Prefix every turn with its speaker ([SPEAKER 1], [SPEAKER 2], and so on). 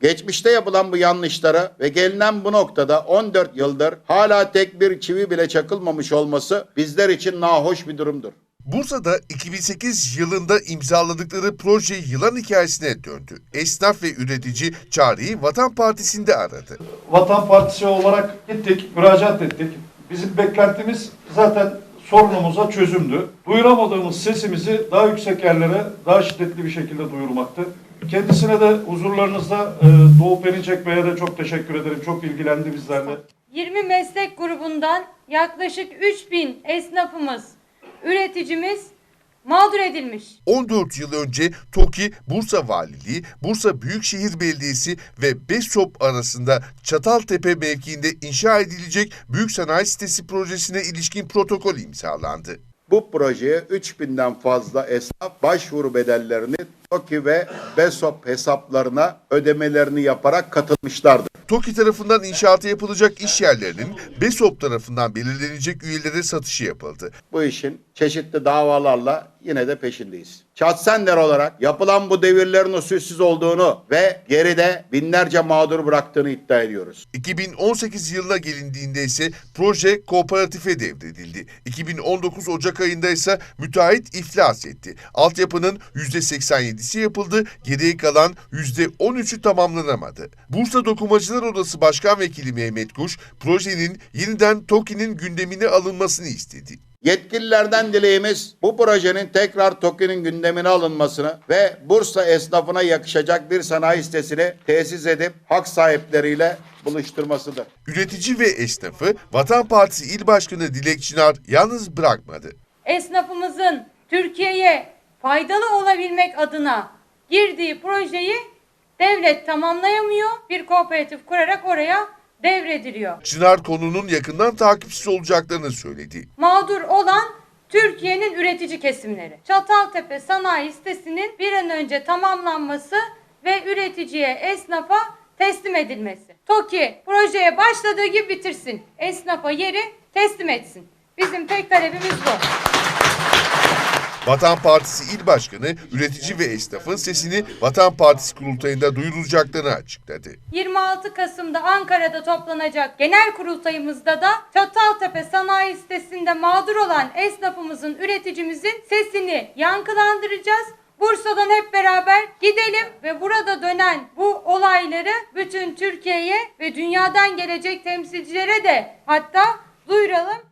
[SPEAKER 1] Geçmişte yapılan bu yanlışları ve gelinen bu noktada 14 yıldır hala tek bir çivi bile çakılmamış olması bizler için nahoş bir durumdur.
[SPEAKER 2] Bursa'da 2008 yılında imzaladıkları proje yılan hikayesine döndü. Esnaf ve üretici çareyi Vatan Partisi'nde aradı.
[SPEAKER 3] Vatan Partisi olarak gittik, müracaat ettik. Bizim beklentimiz zaten sorunumuza çözümdü. Duyuramadığımız sesimizi daha yüksek yerlere, daha şiddetli bir şekilde duyurmaktı. Kendisine de huzurlarınızda Doğu Perinçek Bey'e de çok teşekkür ederim. Çok ilgilendi bizlerle.
[SPEAKER 4] 20 meslek grubundan yaklaşık 3000 esnafımız, üreticimiz mağdur edilmiş.
[SPEAKER 2] 14 yıl önce TOKİ, Bursa Valiliği, Bursa Büyükşehir Belediyesi ve BESOP arasında Çataltepe mevkiinde inşa edilecek büyük sanayi sitesi projesine ilişkin protokol imzalandı.
[SPEAKER 1] Bu projeye 3000'den fazla esnaf başvuru bedellerini TOKİ ve BESOP hesaplarına ödemelerini yaparak katılmışlardır.
[SPEAKER 2] TOKİ tarafından inşaatı yapılacak iş yerlerinin BESOP tarafından belirlenecek üyelere satışı yapıldı.
[SPEAKER 1] Bu işin çeşitli davalarla yine de peşindeyiz. Şahsender olarak yapılan bu devirlerin usulsüz olduğunu ve geride binlerce mağdur bıraktığını iddia ediyoruz.
[SPEAKER 2] 2018 yılına gelindiğinde ise proje kooperatife devredildi. 2019 Ocak ayında ise müteahhit iflas etti. Altyapının %87'si yapıldı, geriye kalan %13'ü tamamlanamadı. Bursa Dokumacılar Odası Başkan Vekili Mehmet Kuş, projenin yeniden TOKİ'nin gündemine alınmasını istedi.
[SPEAKER 1] Yetkililerden dileğimiz bu projenin tekrar TOKİ'nin gündemine alınmasını ve Bursa esnafına yakışacak bir sanayi sitesini tesis edip hak sahipleriyle buluşturmasıdır.
[SPEAKER 2] Üretici ve esnafı Vatan Partisi İl Başkanı Dilek Çınar yalnız bırakmadı.
[SPEAKER 4] Esnafımızın Türkiye'ye faydalı olabilmek adına girdiği projeyi devlet tamamlayamıyor. Bir kooperatif kurarak oraya devrediliyor.
[SPEAKER 2] Çınar konunun yakından takipçisi olacaklarını söyledi.
[SPEAKER 4] Mağdur olan Türkiye'nin üretici kesimleri. Çataltepe sanayi sitesinin bir an önce tamamlanması ve üreticiye, esnafa teslim edilmesi. TOKİ projeye başladığı gibi bitirsin. Esnafa yeri teslim etsin. Bizim tek talebimiz bu.
[SPEAKER 2] Vatan Partisi İl Başkanı, üretici ve esnafın sesini Vatan Partisi kurultayında duyurulacaklarını açıkladı.
[SPEAKER 4] 26 Kasım'da Ankara'da toplanacak genel kurultayımızda da Çataltepe sanayi sitesinde mağdur olan esnafımızın, üreticimizin sesini yankılandıracağız. Bursa'dan hep beraber gidelim ve burada dönen bu olayları bütün Türkiye'ye ve dünyadan gelecek temsilcilere de hatta duyuralım.